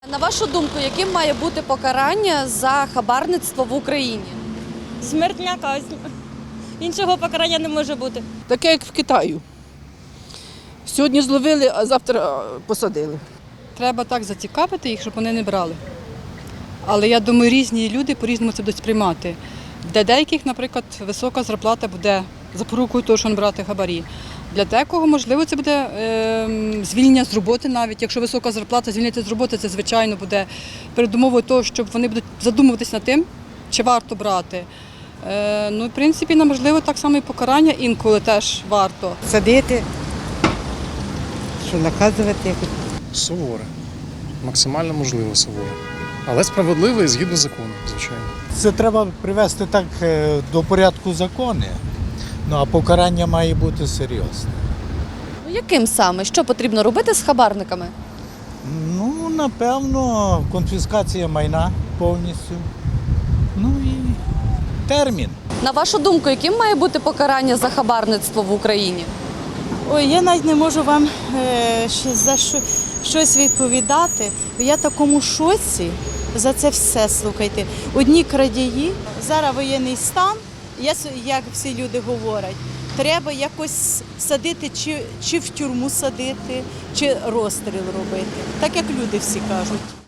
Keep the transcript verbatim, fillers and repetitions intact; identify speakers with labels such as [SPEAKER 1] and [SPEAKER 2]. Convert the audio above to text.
[SPEAKER 1] На вашу думку, яким має бути покарання за хабарництво в Україні?
[SPEAKER 2] Смертна казнь. Іншого покарання не може бути.
[SPEAKER 3] Таке, як в Китаю. Сьогодні зловили, а завтра посадили.
[SPEAKER 4] Треба так зацікавити їх, щоб вони не брали. Але я думаю, різні люди по-різному це будуть сприймати. Для деяких, наприклад, висока зарплата буде запорукою того, що він брати хабарі. Для декого, можливо, це буде е, звільнення з роботи навіть. Якщо висока зарплата, звільнити з роботи, це, звичайно, буде передумовою того, щоб вони будуть задумуватись над тим, чи варто брати. Е, ну, в принципі, на, можливо, так само і покарання інколи теж варто.
[SPEAKER 5] Садити, що наказувати якось.
[SPEAKER 6] Суворе. Максимально можливо суворе. Але справедливо і згідно закону, звичайно.
[SPEAKER 7] Це треба привести так е, до порядку закони, ну а покарання має бути серйозне.
[SPEAKER 1] Ну, яким саме? Що потрібно робити з хабарниками?
[SPEAKER 7] Ну, напевно, конфіскація майна повністю. Ну і термін.
[SPEAKER 1] На вашу думку, яким має бути покарання за хабарництво в Україні?
[SPEAKER 2] Ой, я навіть не можу вам е, ще за що, щось відповідати. Я в такому шоці за це все, слухайте. Одні крадії, зараз воєнний стан, я, с- як всі люди говорять, треба якось садити, чи, чи в тюрму садити, чи розстріл робити, так як люди всі кажуть.